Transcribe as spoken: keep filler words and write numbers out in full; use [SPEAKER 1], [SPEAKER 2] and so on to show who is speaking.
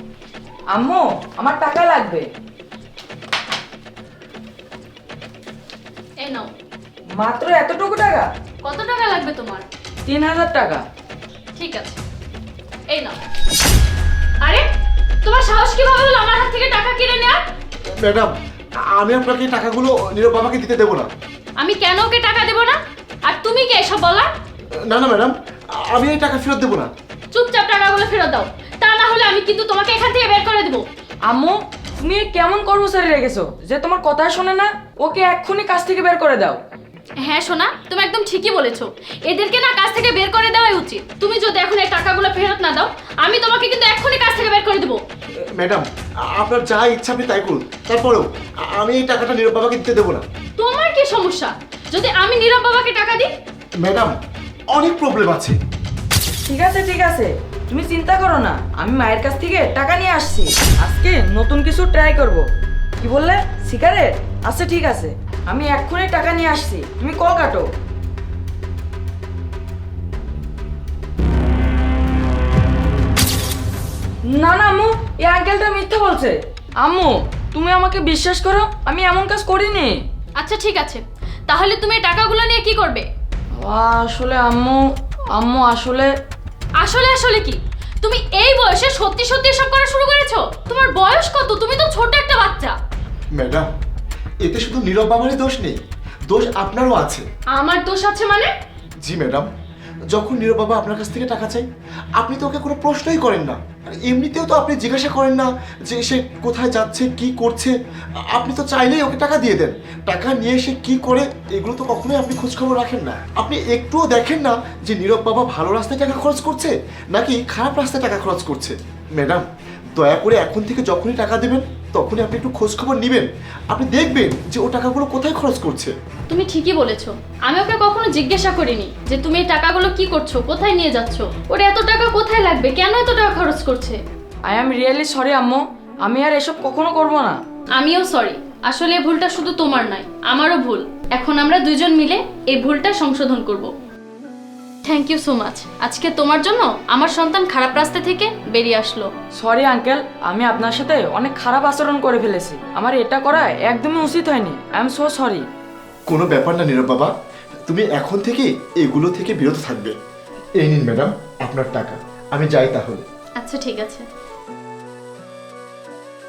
[SPEAKER 1] আম্মু আমার টাকা লাগবে।
[SPEAKER 2] এই নাও।
[SPEAKER 1] মাত্র এতটুকু টাকা?
[SPEAKER 2] কত টাকা লাগবে তোমার?
[SPEAKER 1] তিন হাজার টাকা।
[SPEAKER 2] ঠিক আছে, এই নাও। আরে তোমার সাহস কিভাবে হলো আমার হাত থেকে টাকা কেড়ে নেওয়ার?
[SPEAKER 3] ম্যাডাম, আমি আপনাকে এই টাকাগুলো নীরব বাবাকে দিতে দেবো না।
[SPEAKER 2] আমি কেন ওকে টাকা দেব না? আর তুমি কি এসব বলা?
[SPEAKER 3] না না ম্যাডাম, আমি এই টাকা ফেরত দেবো না।
[SPEAKER 2] চুপচাপ টাকাগুলো ফেরত দাও, তা না হলে আমি কিন্তু তোমাকে এখান থেকে বের করে দেবো।
[SPEAKER 1] আম্মু তুমি কেমন কর্মচারী রেখেছো যে তোমার কথা শোনে না? ওকে এক্ষুনি কাজ থেকে বের করে দাও।
[SPEAKER 2] হ্যাঁ সোনা, তুমি একদম ঠিকই বলেছো। এদেরকে না কাজ থেকে বের করে দেওয়াই উচিত। তুমি যদি এখন এই টাকাগুলো ফেরত না দাও, আমি তোমাকে কিন্তু এক্ষুনি কাজ থেকে বের করে দেবো।
[SPEAKER 3] ম্যাডাম, আপনার যা ইচ্ছা আপনি তাই করুন, তারপরেও আমি এই টাকাটা নীরব বাবাকে দিতে দেবো না।
[SPEAKER 2] তোমার কি সমস্যা যদি আমি নীরব বাবাকে টাকা দিই?
[SPEAKER 3] ম্যাডাম, অনেক প্রবলেম আছে।
[SPEAKER 1] ঠিক আছে ঠিক আছে, তুমি চিন্তা করো না, আমি মায়ের কাছ থেকে টাকা নিয়ে আসছি। আজকে নতুন কিছু ট্রাই করব। কি বললে? সিগারেট? আচ্ছা ঠিক আছে, আমি এক্ষুনি টাকা নিয়ে আসছি, তুমি কল কাটো। না না আম্মু, এই আঙ্কেলটা মিথ্যা বলছে। আম্মু তুমি আমাকে বিশ্বাস করো, আমি এমন কাজ করিনি।
[SPEAKER 2] আচ্ছা ঠিক আছে, তাহলে তুমি এই টাকাগুলো নিয়ে কি করবে?
[SPEAKER 1] আসলে আম্মু, আম্মু আসলে
[SPEAKER 2] আসলে আসলে কি? তুমি এই বয়সে সত্যি সত্যি এসব করা শুরু করেছো? তোমার বয়স কত? তুমি তো ছোট একটা বাচ্চা।
[SPEAKER 3] ম্যাডাম, এতে শুধু নীরব বাবারই দোষ নেই, দোষ আপনারও আছে।
[SPEAKER 2] আমার দোষ আছে মানে?
[SPEAKER 3] জি ম্যাডাম, যখন নীরব বাবা আপনার কাছ থেকে টাকা চাই, আপনি তো ওকে কোনো প্রশ্নই করেন না। আর এমনিতেও তো আপনি জিজ্ঞাসা করেন না যে সে কোথায় যাচ্ছে, কি করছে। আপনি তো চাইলেই ওকে টাকা দিয়ে দেন। টাকা নিয়ে সে কি করে এগুলো তো কখনোই আপনি খোঁজখবর রাখেন না। আপনি একটুও দেখেন না যে নীরব বাবা ভালো রাস্তায় টাকা খরচ করছে নাকি খারাপ রাস্তায় টাকা খরচ করছে। ম্যাডাম, দয়া করে এখন থেকে যখনই টাকা দেবেন তখনই আপনি একটু খোঁজখবর নেবেন। আপনি দেখবেন যে ও টাকাগুলো কোথায় খরচ করছে।
[SPEAKER 2] তুমি ঠিকই বলেছো। আমি ওকে কখনো জিজ্ঞাসা করিনি যে তুমি এই টাকাগুলো কি করছো, কোথায় নিয়ে যাচ্ছ, ওর এত টাকা কোথায় লাগবে, কেন এত টাকা খরচ করছে।
[SPEAKER 1] আই এম রিয়েলি সরি আম্মু, আমি আর এসব কখনো করব না।
[SPEAKER 2] আমিও সরি। আসলে এই ভুলটা শুধু তোমার নয়, আমারও ভুল। এখন আমরা দুজন মিলে এই ভুলটা সংশোধন করব। Thank you so much. আজকে তোমার জন্য আমার সন্তান খারাপ রাস্তা থেকে বেরিয়ে আসলো।
[SPEAKER 1] সরি আঙ্কেল, আমি আপনার সাথে অনেক খারাপ আচরণ করে ফেলেছি। আমার এটা করা একদমই উচিত হয়নি। I am so sorry.
[SPEAKER 3] কোনো ব্যাপার না নীরব বাবা, তুমি এখন থেকে এগুলো থেকে বিরত থাকবে। এই নিন ম্যাডাম আপনার টাকা, আমি যাই তাহলে।
[SPEAKER 2] আচ্ছা ঠিক আছে।